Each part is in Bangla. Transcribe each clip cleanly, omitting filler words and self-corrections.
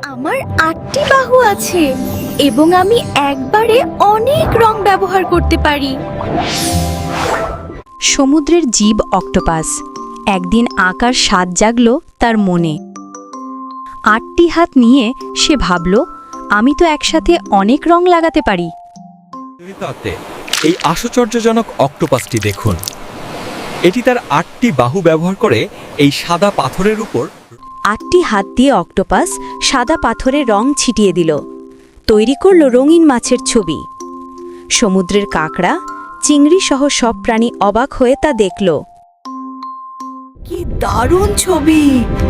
আমার ৮টি বাহু আছে এবং আমি একবারে অনেক রং ব্যবহার করতে পারি। সমুদ্রের জীব অক্টোপাস একদিন আঁকার স্বাদ জাগল তার মনে। ৮টি হাত নিয়ে সে ভাবল, আমি তো একসাথে অনেক রং লাগাতে পারি। এই আশ্চর্যজনক অক্টোপাসটি দেখুন। এটি তার ৮টি বাহু ব্যবহার করে এই সাদা পাথরের উপর ৮টি হাত দিয়ে অক্টোপাস সাদা পাথরে রং ছিটিয়ে দিল, তৈরি করল রঙিন মাছের ছবি। সমুদ্রের কাঁকড়া, চিংড়ি সহ সব প্রাণী অবাক হয়ে তা দেখল। কি দারুণ ছবি!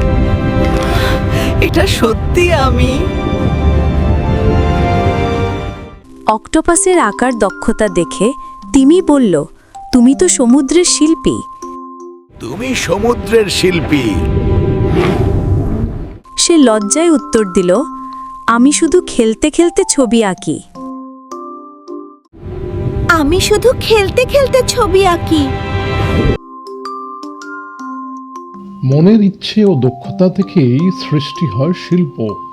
এটা সত্যি আমি। অক্টোপাসের আকার দক্ষতা দেখে তিমি বলল, তুমি তো সমুদ্রের শিল্পী। তুমি সমুদ্রের শিল্পী। সে লজ্জায় উত্তর দিল, আমি শুধু খেলতে খেলতে ছবি আঁকি। আমি শুধু খেলতে খেলতে ছবি আঁকি। মনের ইচ্ছে ও দক্ষতা থেকেই সৃষ্টি হয় শিল্প।